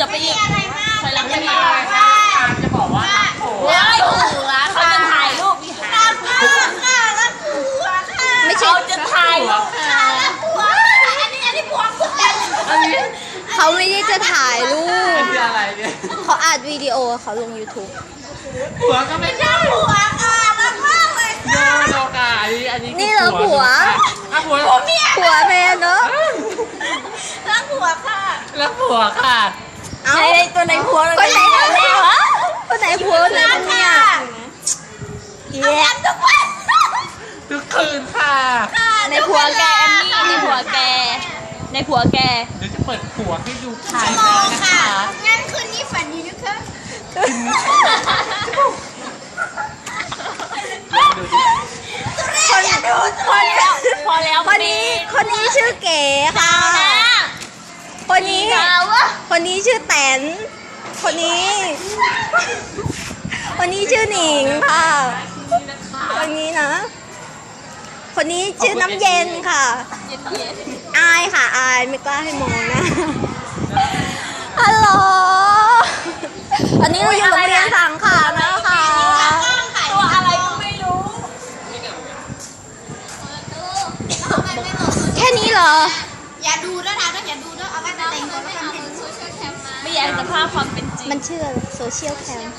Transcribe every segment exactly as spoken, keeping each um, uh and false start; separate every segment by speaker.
Speaker 1: ลับไปอีกถอยหลังไปอีก
Speaker 2: จะบอกว่า
Speaker 1: หัวหัวเขาจะถ่ายรูปพี่หาไม่ใช่จะถ่ายรูปอันนี้อันนี้ผัวคุณเขาไม่ได้จะถ่ายรูป
Speaker 2: อะไรเนี่ย
Speaker 1: เขาอัดวิดีโอเขาลง ยูทูบ
Speaker 2: ผัวก็ไม่ใช่
Speaker 3: ผัวค่ะรักมากเลย
Speaker 2: โนโนกาอันนี้อันนี้
Speaker 1: นี่เหรอผัว
Speaker 2: อ่ะผัว
Speaker 1: ผัวเมียผัวแม่เนาะ
Speaker 3: รักผัวค่ะ
Speaker 2: รักผัวค่ะ
Speaker 1: เอาตัวไหนผัวคนไหนแม่วะคนไหนผัวไหนเมียเย้
Speaker 3: ทุกวัน
Speaker 2: ทุกคืนค่ะ
Speaker 1: ในผัวแกแอมมี่ในผัวแกในผัวแก
Speaker 2: เดี๋ยวจะเปิดผัวให้ดูถ่ายแล้วนะคะ
Speaker 3: งั้นคืนนี้ฝันดีนะคะ
Speaker 1: คนพอแล้วพอแล้วคนนี้คนนี้ชื่อเก๋ค่ะคนนี้คนนี้ชื่อแตนคนนี้คนนี้ชื่อหนิงค่ะคนนี้นะคนนี้ชื่อน้ำเย็นค่ะอายค่ะอายไม่กล้าให้มองนะฮัลโหลอันนี้เราอยู่โรงเรียนสังขารนะคะตัวอะไรก็ไม่รู้แค่นี้เหรอ
Speaker 3: อย่าดูด้วยนะอย่าดูด้วยเอาไว้แต่งตัวแล้วกันเป็นโซเชียลแคมมา
Speaker 1: ไม่อยากจะภาพความเป็นจริงมันชื่อโซเชียลแคม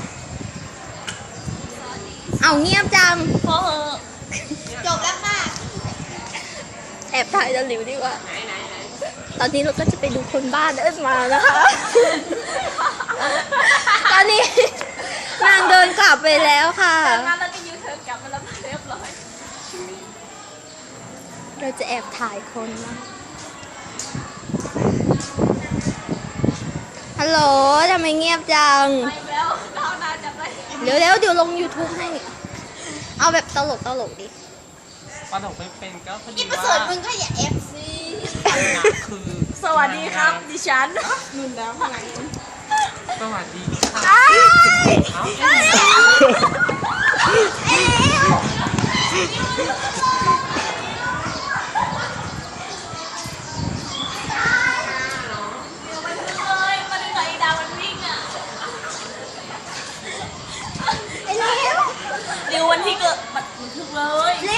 Speaker 1: เอาเงียบจังพอเหอะ
Speaker 3: จบแล้วค่ะ
Speaker 1: แอบถ่ายจะหลิวดีกว่าตอนนี้เราก็จะไปดูคนบ้านเดินมานะคะตอนนี้นางเดินกลับไปแล้วค่ะ
Speaker 3: มาแล้วก็ยูเทิร์นกลับมาแล้วเรียบร้อย
Speaker 1: เราจะแอบถ่ายคนนะฮัลโหลทำไมเงียบจังเดี๋ยวเดี๋ยวเดี๋ยวลง ยูทูบ ให้เอาแบบตลกตลกดิ
Speaker 2: ปลาดกไม่เป็นก็พอดี
Speaker 3: ว่าประเสริฐมึงก็อย่าเอฟซี
Speaker 2: คือ
Speaker 1: สวัสดีครับดิฉันนุ่นแล้วพลัง
Speaker 2: สวัสดี
Speaker 1: ดิววันที่เกิดบัตรทึกเลย
Speaker 3: เร็